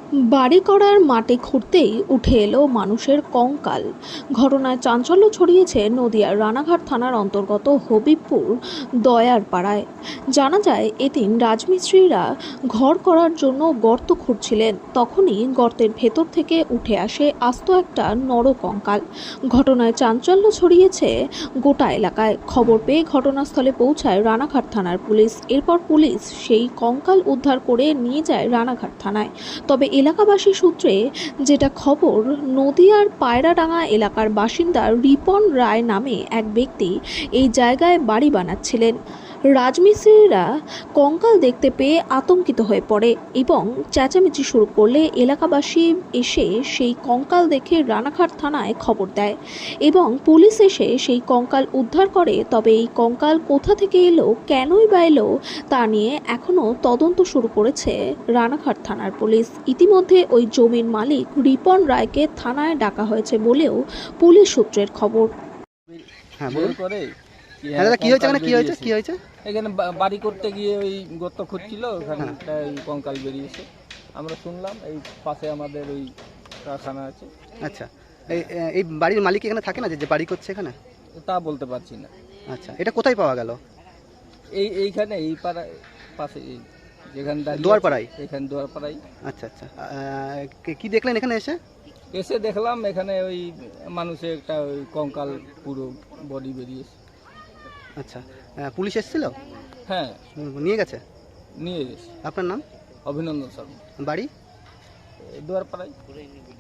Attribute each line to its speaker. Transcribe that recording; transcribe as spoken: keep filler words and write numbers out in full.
Speaker 1: বাড়ি করার মাটি খুঁড়তেই উঠে এলো মানুষের কঙ্কাল। ঘটনায় চাঞ্চল্য ছড়িয়েছে নদিয়ার রানাঘাট থানার অন্তর্গত হবিবপুর দয়ার পাড়ায়। জানা যায়, এদিন রাজমিস্ত্রিরা ঘর করার জন্য গর্ত খুঁড়ছিলেন, তখনই গর্তের ভেতর থেকে উঠে আসে আস্ত একটা নর কঙ্কাল। ঘটনায় চাঞ্চল্য ছড়িয়েছে গোটা এলাকায়। খবর পেয়ে ঘটনাস্থলে পৌঁছায় রানাঘাট থানার পুলিশ। এরপর পুলিশ সেই কঙ্কাল উদ্ধার করে নিয়ে যায় রানাঘাট থানায়। তবে এলাকাবাসী সূত্রে যেটা খবর, নদিয়ার পায়রাডাঙ্গা এলাকার বাসিন্দা রিপন রায় নামে এক ব্যক্তি এই জায়গায় বাড়ি বানাচ্ছিলেন। রাজমিস্ত্রিরা কঙ্কাল দেখতে পেয়ে আতঙ্কিত হয়ে পড়ে এবং চেঁচামেচি শুরু করলে এলাকাবাসী এসে সেই কঙ্কাল দেখে রানাঘাট থানায় খবর দেয় এবং পুলিশ এসে সেই কঙ্কাল উদ্ধার করে। তবে এই কঙ্কাল কোথা থেকে এলো, কেনই বা এলো, তা নিয়ে এখনও তদন্ত শুরু করেছে রানাঘাট থানার পুলিশ। ইতিমধ্যে ওই জমির মালিক রিপন রায়কে থানায় ডাকা হয়েছে বলেও পুলিশ সূত্রের খবর।
Speaker 2: হ্যাঁ, বলুন।
Speaker 3: করে
Speaker 2: হ্যাঁ দাদা, কি হয়েছে এখানে? কি হয়েছে কি হয়েছে
Speaker 3: এখানে বা- বাড়ি করতে গিয়ে ওই গর্ত খুঁজছিল, ওখানে
Speaker 2: হ্যাঁ।
Speaker 3: একটা ওই কঙ্কাল বেরিয়েছে। আমরা শুনলাম এই পাশে আমাদের ওই কারখানা আছে,
Speaker 2: আচ্ছা, এই এই বাড়ির মালিক এখানে থাকে না, যে যে বাড়ি করছে এখানে?
Speaker 3: তা বলতে পারছি না।
Speaker 2: আচ্ছা, এটা কোথায় পাওয়া গেল?
Speaker 3: এই এইখানে এই পাড়া পাশে এই যেখানে দাঁড়িয়ে
Speaker 2: দুয়ারপাড়ায়?
Speaker 3: আছি, এখানে দুয়ারপাড়ায়
Speaker 2: আচ্ছা আচ্ছা, আহ, কি- কি দেখলেন এখানে এসে?
Speaker 3: এসে দেখলাম এখানে ওই মানুষের একটা ওই কঙ্কাল পুরো বডি বেরিয়েছে।
Speaker 2: আচ্ছা, আহ, পুলিশ এসেছিল?
Speaker 3: হ্যাঁ,
Speaker 2: উম, নিয়ে গেছে?
Speaker 3: নিয়ে গেছে।
Speaker 2: আপনার নাম?
Speaker 3: অভিনন্দন শর্মা,
Speaker 2: বাড়ি?
Speaker 3: এই দুয়ারপাড়ায়।